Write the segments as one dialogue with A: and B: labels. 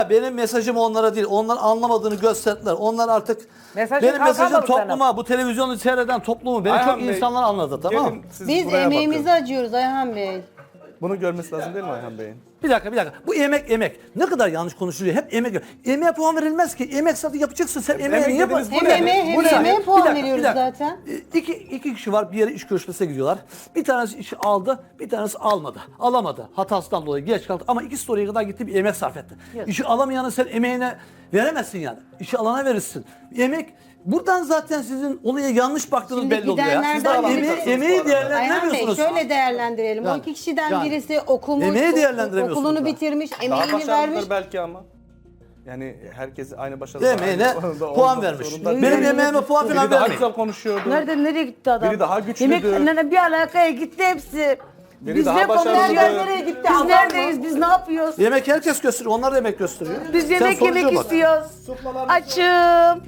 A: Züleyha benim mesajım onlara değil. Onlar anlamadığını gösterdiler. Onlar artık
B: Mesajın
A: benim mesajım
B: kalkamadı
A: topluma, bu televizyonu seyreden toplumu. Beni
C: Ayhan
A: çok
C: Bey,
A: insanlar anladı, tamam mı?
C: gelin siz
D: Biz
C: buraya
D: emeğimizi
C: bakın.
D: acıyoruz Ayhan Bey.
C: Bunu görmesi lazım değil mi Ayhan Bey'in?
A: Bir dakika. Bu emek. Ne kadar yanlış konuşuluyor. Hep emek. Emeğe puan verilmez ki. Emek zaten yapacaksın. Sen emeği
C: emek
A: niye
C: dediniz,
D: Hem
C: Bu ne?
D: emeğe hem
A: Bu ne?
D: yemeğe
A: Bir
D: puan
A: dakika,
D: veriyoruz
A: bir dakika.
D: zaten.
A: İki kişi var, bir yere iş görüşmesine gidiyorlar. Bir tanesi işi aldı, bir tanesi almadı. Alamadı. Hatasından dolayı geç kaldı. Ama ikisi de oraya kadar gitti, bir emek sarf etti. İşi alamayanı sen emeğine veremezsin yani. İşi alana verirsin. Emek, buradan zaten sizin olaya yanlış baktığınız
D: Şimdi
A: belli oluyor ya. Siz
D: gidenlerden
A: daha
D: birisi-
A: emeği
D: Ayhan Bey
A: değerlendiremiyorsunuz.
D: şöyle değerlendirelim. O
A: Yani-
D: iki kişiden
A: yani
D: birisi okumuş,
A: emeği değerlendiremiyorsunuz
D: okulunu
A: da.
D: bitirmiş,
C: Daha
D: emeğini vermiş.
C: başarılıdır belki ama. Yani herkes aynı başarılı.
A: Emeğine puan vermiş. Benim emeğime puan
C: Biri
A: falan
C: daha
A: vermeyin.
C: güzel konuşuyordu.
E: Nereye gitti adam?
C: Biri daha güçlüdür.
E: Yemeklerine bir alakaya gitti hepsi.
C: Biri
E: Biz
C: daha
E: ne
C: başarılıdır.
E: konuşuyoruz? Nereye gitti? Biz neredeyiz? Biz ne yapıyoruz?
A: Yemek herkes gösteriyor. Onlar da yemek gösteriyor.
E: Biz
A: Sen
E: yemek
A: sonuca
E: yemek
A: bak.
E: istiyoruz. Açım.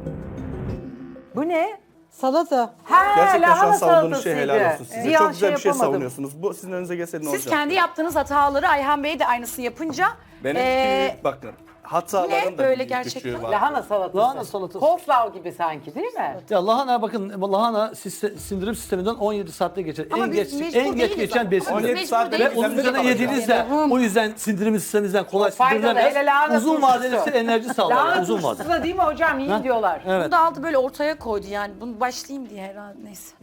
B: Bu ne?
D: Salata.
B: Ha,
C: Gerçekten şu an
B: lahana
C: savunduğunuz şey
B: salatasıydı.
C: helal olsun size.
B: Bir an
C: Çok güzel bir şey
B: yapamadım.
C: savunuyorsunuz. Bu sizin önünüze gelse ne olacak?
F: Siz kendi yaptığınız hataları Ayhan Bey de aynısını yapınca
C: Benimki bakın. Hataların
F: ne
C: da
F: böyle
C: bir
F: gerçekten?
C: küçüğü var.
B: Lahana salatası.
A: Lahana salatası.
B: Coleslaw gibi sanki değil mi?
A: Ya lahana bakın, lahana sindirim sisteminden 17 saatte geçer.
F: Ama
A: en
F: biz
A: geç
F: mecbur
A: en geç
F: değiliz
A: geçen
F: ama.
A: besindir.
C: 17
F: Mecbur
C: saatte
F: değiliz.
A: Ve onun üzerine
C: kalacak.
A: yediğinizde o yüzden sindirim sisteminizden kolay
B: Faydalı,
A: sindirilemez.
B: hele lahana
A: Uzun vadeli
B: turşusu.
A: size enerji sağlar.
B: Lahana
A: Uzun vadeli.
B: turşusu da değil mi hocam? İyi diyorlar.
A: Evet.
F: Bunu da aldı böyle ortaya koydu yani. Bunu başlayayım diye herhalde neyse.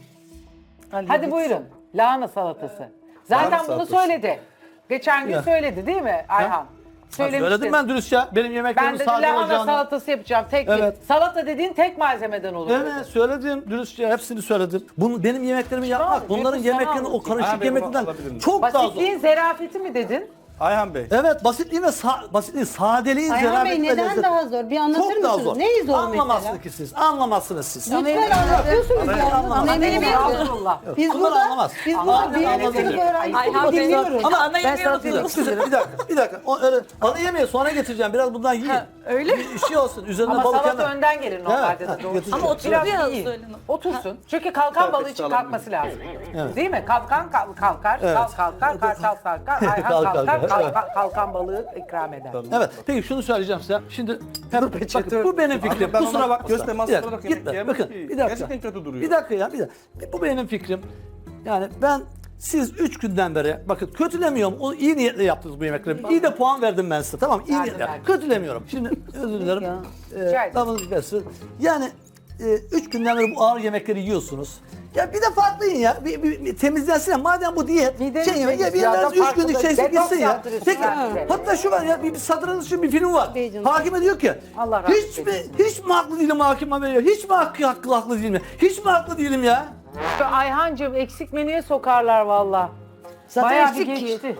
B: Hadi buyurun. Lahana salatası. Zaten
C: Lahana
B: bunu
C: salatası.
B: söyledi. Geçen gün
A: Ya.
B: söyledi değil mi Ayhan?
A: Söyledim ben dürüst ya. Benim
B: Ben
A: yemeklerim
B: de
A: sade
B: lahana
A: olacağını.
B: salatası yapacağım tek bir.
A: Evet.
B: Salata dediğin tek malzemeden olur.
A: Evet söyledim dürüstçe hepsini söyledim. Bunu benim yemeklerimi yapmak bunların
B: Yunus, sana
A: yemeklerini o
B: anlatayım.
A: karışık
C: Abi, bunu
A: yemeklerden
C: alabilir miyim?
A: çok daha zor.
B: Basitliğin zerafeti mi dedin?
C: Ayhan Bey.
A: Evet basitliğin ve basitliğin, sadeliğin,
D: Ayhan Bey
A: zerafeti ve
D: neden
A: lezzeti.
D: daha zor? Bir anlatır
A: Çok daha
D: mısınız?
A: zor.
D: Neyi zor
A: Anlamazsınız
D: mesela?
A: ki siz. Anlamazsınız siz.
D: Lütfen anlatıyorsunuz ya. Anlayamıyorum.
B: Estağfurullah.
D: Biz
A: Bunlar
D: burada,
A: anlamaz.
D: biz
A: Anlamaz.
D: burada bir
A: Anlamaz.
D: sınıf öğrencisi
F: Ayhan Bey
D: dinliyoruz.
F: ama ana
E: Ben
F: yemeği
E: salatayı
F: unuttunuz.
A: Bir dakika. Ana yemeği sonra getireceğim. Biraz bundan yiyin.
F: öyle
A: Bir şey olsun. Üzerine
B: Ama
A: balık
B: salata
A: hemen.
B: önden gelir normalde
A: Evet,
B: de doğru.
A: getireceğim.
F: Ama oturuyor
B: Biraz
F: ya
B: iyi.
F: Zuhal Hanım.
B: Otursun. Çünkü kalkan balığı için kalkması lazım. Değil mi? Kalkan kalkar, kalkar, kartal sarkar, Ayhan kalkar, kalkan balığı ikram eder.
A: Evet. Peki şunu söyleyeceğim size. Şimdi bakın, bu benim fikrim.
C: Ben
A: Kusura
C: ona
A: bakma.
C: göz teması
A: Bir dakika,
C: olarak yemek
A: gitme.
C: yiyemem
A: Bakın
C: ki.
A: bir dakika.
C: Gerçekten kötü duruyor.
A: Bir dakika ya bir dakika. Bu benim fikrim. Yani ben siz 3 günden beri bakın kötülemiyorum. O iyi niyetle yaptınız bu yemekleri. İyi de puan verdim ben size. Tamam iyi niyetle.
B: verdim.
A: Kötülemiyorum. Şimdi özür dilerim.
B: Rica ederim.
A: Damınız bessin. Yani 3 günden beri bu ağır yemekleri yiyorsunuz. Ya bir de farklı yiyin ya. Bir temizlensin ya. Madem bu diyet.
B: Mideniz
A: Şey yemek ya bir
B: temiz ya,
A: yerden
B: da
A: 3
B: farklı
A: günlük
B: da
A: şeyse
B: detoks
A: gitsin ya.
B: yaptırıyorsun
A: Peki
B: belki de.
A: hatta şu var ya bir satranç için bir film var.
D: Bey canım.
A: Hakime diyor ki
B: Allah rahmet
A: hiç mi haklı değilim hakime veriyor. Hiç mi haklı değilim ya. Hiç mi haklı değilim ya.
B: Ayhancığım eksik menüye sokarlar valla.
E: Zaten
B: Bayağı bir
E: eksik ki.
B: geçti.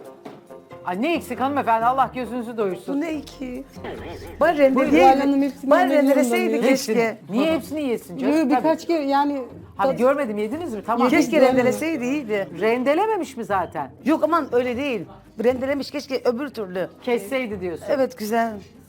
B: Ay ne eksik hanımefendi Allah gözünüzü doyursun.
E: Bu ne ki? Bari
D: Zuhal Hanım
E: rendeleydi.
D: hepsini
E: Bari
D: yemek
E: rendeleseydi
D: zorunda
E: keşke.
B: Niye hepsini yesin canım?
D: Böyle
B: Tabii.
D: birkaç kere yani
B: Hani görmedim yediniz mi? Tamam.
D: Yedik.
E: Keşke rendeleseydi iyiydi.
B: Rendelememiş mi zaten?
E: Yok aman öyle değil. Rendelemiş keşke öbür türlü.
B: Kesseydi diyorsun.
E: Evet güzel.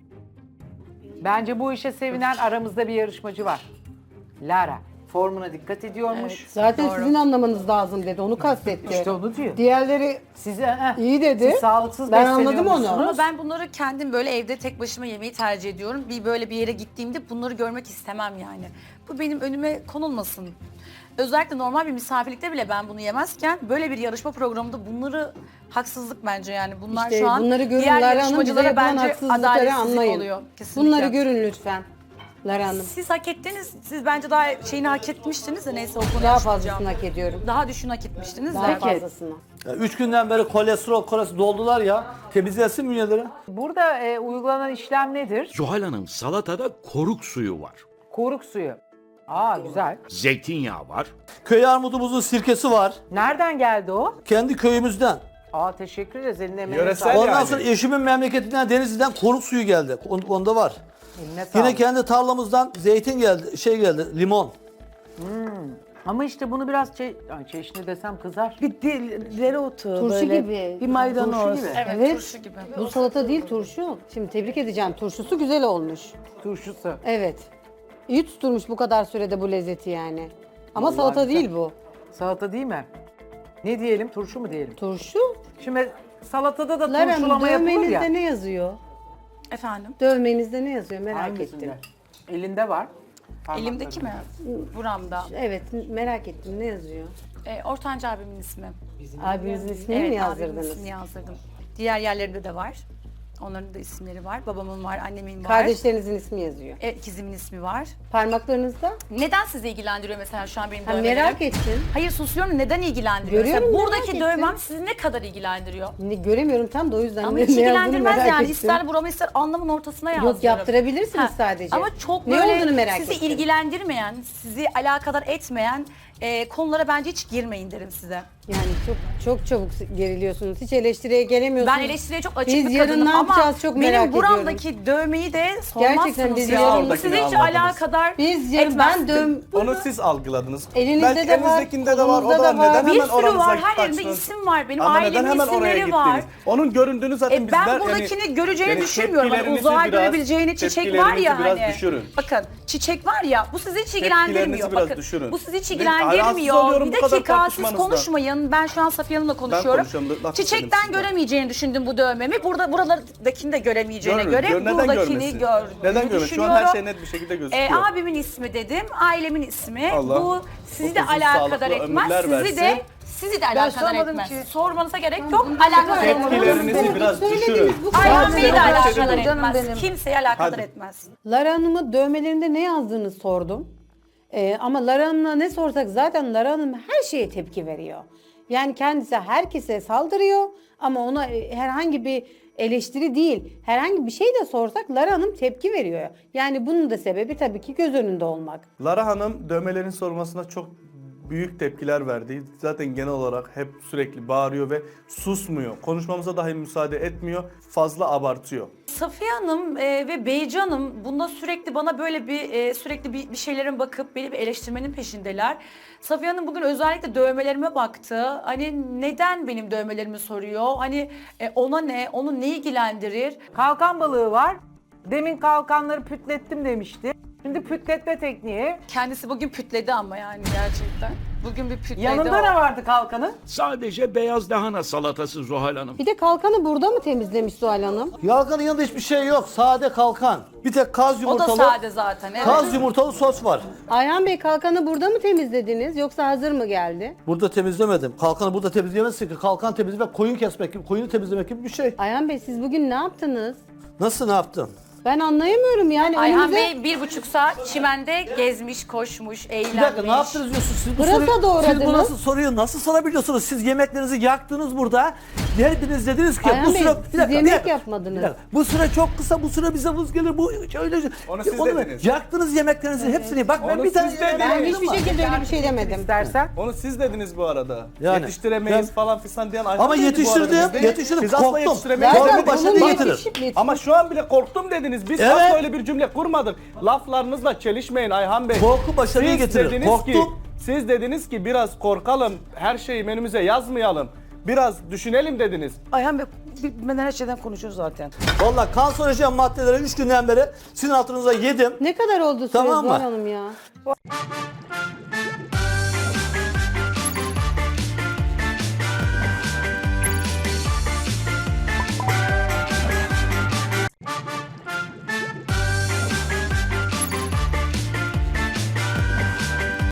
B: Bence bu işe sevinen aramızda bir yarışmacı var. Lara. Formuna dikkat ediyormuş.
D: zaten sizin anlamanız lazım dedi. Onu kastetti.
B: İşte onu diyor.
D: Diğerleri
B: Size
D: iyi dedi.
B: Siz sağlıksız
D: Ben anladım onu.
F: Ama ben bunları kendim böyle evde tek başıma yemeyi tercih ediyorum. Böyle bir yere gittiğimde bunları görmek istemem yani. Bu benim önüme konulmasın. Özellikle normal bir misafirlikte bile ben bunu yemezken böyle bir yarışma programında bunları haksızlık bence yani. Bunlar
D: İşte
F: şu an
D: bunları görün
F: diğer
D: Lara Hanım, bize
F: yarışmacılara
D: yapılan
F: bence
D: haksızlıkları
F: adaletsizlik
D: anlayın.
F: oluyor. Kesinlikle.
D: Bunları görün lütfen. Lara Hanım.
F: Siz hak ettiniz. Siz bence daha şeyini hak etmiştiniz de neyse o konuya
D: Daha
F: açmayacağım.
D: fazlasını hak ediyorum.
F: Daha düşün hak etmiştiniz
D: Daha
F: de.
D: fazlasını.
A: 3 günden beri kolesterol doldular ya. Temizlensin bünyeleri.
B: Burada uygulanan işlem nedir?
G: Zuhal Hanım salatada koruk suyu var.
B: Koruk suyu. Aa güzel.
G: Zeytinyağı var.
A: Köy armudumuzun sirkesi var.
B: Nereden geldi o?
A: Kendi köyümüzden.
B: Aa teşekkür ederiz. Eline emeğine
C: Yöresel
B: sağlık.
A: Ondan
C: yani.
A: sonra eşimin memleketinden Denizli'den koruk suyu geldi. Onda var.
B: Eline sağlık.
A: Yine kendi tarlamızdan zeytin geldi, limon.
B: Ama işte bunu biraz çeşni desem kızar.
E: Bir dereotu
D: Turşu
E: böyle.
D: gibi.
E: Bir maydanoz.
B: Turşu gibi.
F: Evet,
D: Evet.
F: turşu gibi.
D: Bu salata değil turşu. Şimdi tebrik edeceğim. Turşusu güzel olmuş.
B: Turşusu.
D: Evet. İyi tutturmuş bu kadar sürede bu lezzeti yani. Ama
B: Vallahi
D: salata
B: güzel.
D: değil bu.
B: Salata değil mi? Ne diyelim? Turşu mu diyelim?
D: Turşu.
B: Şimdi salatada da
D: Lara Hanım
B: turşulama yapılır ya.
D: dövmenizde ne yazıyor?
F: Efendim?
D: Dövmenizde ne yazıyor merak
B: Hangisinde?
D: ettim.
B: Elinde var.
F: Elimdeki mi? Buramda.
D: Evet merak ettim ne yazıyor?
F: Ortanca abimin ismi.
D: Abinizin ismini mi
F: Evet, abimin
D: yazdırdınız?
F: ismini yazdırdım. Diğer yerlerinde de var. Onların da isimleri var. Babamın var, annemin var.
D: Kardeşlerinizin ismi yazıyor.
F: İkizimin ismi var.
D: Parmaklarınızda?
F: Neden sizi ilgilendiriyor mesela şu an benim
D: Ha,
F: dövmelerim?
D: merak ettim.
F: Hayır susuyorum. Neden ilgilendiriyor?
D: Görüyorum,
F: Mesela
D: merak
F: buradaki
D: ettim.
F: dövmem sizi ne kadar ilgilendiriyor?
D: Göremiyorum tam da o yüzden
F: Ama
D: ne
F: hiç
D: yazdığını
F: ilgilendirmez
D: merak
F: yani.
D: ettim.
F: İster buramı ister alnımın ortasına yazdırırım.
D: Yok yaptırabilirsiniz
F: Ha,
D: sadece.
F: Ama çok
D: ne
F: böyle
D: olduğunu merak
F: sizi
D: ettim.
F: ilgilendirmeyen, sizi alakadar etmeyen konulara bence hiç girmeyin derim size.
D: Yani çok çabuk geriliyorsunuz. Hiç eleştiriye gelemiyorsunuz.
F: Ben eleştiriye çok açık
D: Biz
F: bir
D: yarın
F: kadınım
D: ne
F: ama
D: yapacağız çok merak
F: benim
D: ediyorum.
F: buramdaki dövmeyi de sormazsınız
D: Gerçekten biz
F: ya.
D: yarın-
F: Bu sizi hiç
C: Oradakini anladınız.
F: alakadar
D: Biz yarın
F: etmez.
C: Onu siz algıladınız.
D: Elinizde
C: Belki
D: de var,
C: elinizdekinde de var. O
D: kolunuzda
C: da
D: da var.
C: neden
F: Bir
C: hemen
F: sürü
C: oranıza
F: var, her yerinde
C: kaçtınız?
F: isim var. Benim
C: Ama neden
F: ailemin
C: hemen oraya
F: isimleri
C: gittiniz?
F: var.
C: Onun göründüğünü zaten bizler...
F: Ben buradakini göreceğini düşünmüyorum. Hani
C: tepkilerinizi
F: uzağa
C: biraz-
F: görebileceğini çiçek var ya
C: tepkilerinizi
F: hani.
C: biraz düşürün.
F: Bakın çiçek var ya bu sizi hiç
C: Tepkilerinizi
F: ilgilendirmiyor.
C: biraz
F: Bakın
C: düşürün.
F: bu sizi hiç
C: Ben rahatsız
F: ilgilendirmiyor.
C: oluyorum
F: Bir
C: bu kadar
F: dakika siz
C: tartışmanızdan.
F: konuşmayın. Ben şu an Safiye Hanım'la konuşuyorum.
C: konuşuyorum, laf istedim
F: Çiçekten
C: sizden.
F: göremeyeceğini düşündüm bu dövmemi. Buralardakini de göremeyeceğine
C: Görün,
F: göre
C: neden
F: buradakini
C: görmesin?
F: gördüğünü
C: Neden görmesin? Şu
F: düşünüyorum.
C: an her şey net bir şekilde gözüküyor.
F: Abimin ismi dedim, ailemin ismi.
C: Allah
F: Bu sizi de
C: uzun,
F: alakadar
C: sağlıklı
F: etmez.
C: ömürler
F: Sizi de alakadar
B: sormadım
F: etmez.
B: ki.
F: Sormanıza gerek yok. Alakadar etmez.
C: Tepkilerinizi biraz düşürün.
F: Ayhan Bey'i de
C: Canım
F: alakadar
B: benim.
F: etmez. Kimseyi alakadar
C: Hadi.
F: etmez.
D: Lara Hanım'ın dövmelerinde ne yazdığını sordum. Ama Lara Hanım'a ne sorsak zaten Lara Hanım her şeye tepki veriyor. Yani kendisi herkese saldırıyor ama ona herhangi bir eleştiri değil, herhangi bir şey de sorsak Lara Hanım tepki veriyor. Yani bunun da sebebi tabii ki göz önünde olmak.
C: Lara Hanım dövmelerin sormasına çok büyük tepkiler verdi. Zaten genel olarak hep sürekli bağırıyor ve susmuyor. Konuşmamıza dahi müsaade etmiyor. Fazla abartıyor.
F: Safiye Hanım ve Beyci Hanım bunda sürekli bana böyle sürekli bir şeylerin bakıp beni bir eleştirmenin peşindeler. Safiye Hanım bugün özellikle dövmelerime baktı. Hani neden benim dövmelerimi soruyor? Hani ona ne? Onu ne ilgilendirir?
B: Kalkan balığı var. Demin kalkanları pütlettim demişti. Şimdi pütletme tekniği.
F: Kendisi bugün pütledi ama yani gerçekten. Bugün bir pütledi
B: Yanında
F: o.
B: ne vardı kalkanın?
G: Sadece beyaz lahana salatası Zuhal Hanım.
D: Bir de kalkanı burada mı temizlemiş Zuhal Hanım?
A: Yalganın yanında hiçbir şey yok. Sade kalkan. Bir tek kaz
F: O da
A: yumurtalı.
F: sade zaten. Evet.
A: Kaz yumurtalı sos var.
D: Ayhan Bey kalkanı burada mı temizlediniz yoksa hazır mı geldi?
A: Burada temizlemedim. Kalkanı burada temizleyemezsin ki. Kalkan temizlemek, koyun kesmek gibi, koyunu temizlemek gibi bir şey.
D: Ayhan Bey siz bugün ne yaptınız?
A: Nasıl ne yaptın?
D: Ben anlayamıyorum yani
F: Ayhan
D: önümüze...
F: Bey 1,5 saat çimende gezmiş, koşmuş, eğlenmiş.
A: Bir dakika ne yaptınız diyorsunuz? Siz bu
D: Pırasa
A: soruyu,
D: doğradınız.
A: siz bu nasıl soruyu nasıl sorabiliyorsunuz? Siz yemeklerinizi yaktınız burada. Geldiniz dediniz ki
D: Ayhan
A: bu
D: Bey,
A: süre...
D: siz yemek yapmadınız.
A: bir dakika. Bu süre çok kısa, bu süre bize vız gelir. Bu öyle...
C: Onu siz dediniz.
A: Yaktınız yemeklerinizi hepsini. Bak ben
C: Onu
A: bir tane...
C: siz dediniz.
D: Ben hiçbir şekilde öyle bir şey demedim.
B: İstersen.
C: Onu siz dediniz bu arada.
A: Yani,
C: Yetiştiremeyiz
A: ben-
C: falan filan diyen Ayhan
A: Ama
C: Bey'di bu arada.
A: yetiştirdim,
C: Biz de-
A: yetiştirdim.
C: Biz asla
A: Korktum.
C: yetiştiremeyiz
A: Zaten
C: demedik.
A: başını
D: Bunun
A: getirir.
C: Ama şu an bile korktum dediniz. Biz
A: Evet.
C: asla öyle bir cümle kurmadık. Laflarınızla çelişmeyin Ayhan Bey.
A: Korku başarıyı
C: Siz
A: getirir.
C: dediniz
A: Korktum.
C: ki, siz dediniz ki biraz korkalım, her şeyi menümüze yazmayalım. Biraz düşünelim dediniz.
E: Ayhan Bey bitmeden her şeyden konuşuyoruz zaten.
A: Vallahi kanserojen maddeleri 3 günden beri sizin altınıza yedim.
D: Ne kadar oldu süre
A: Tamam mı?
D: Zuhal Hanım ya?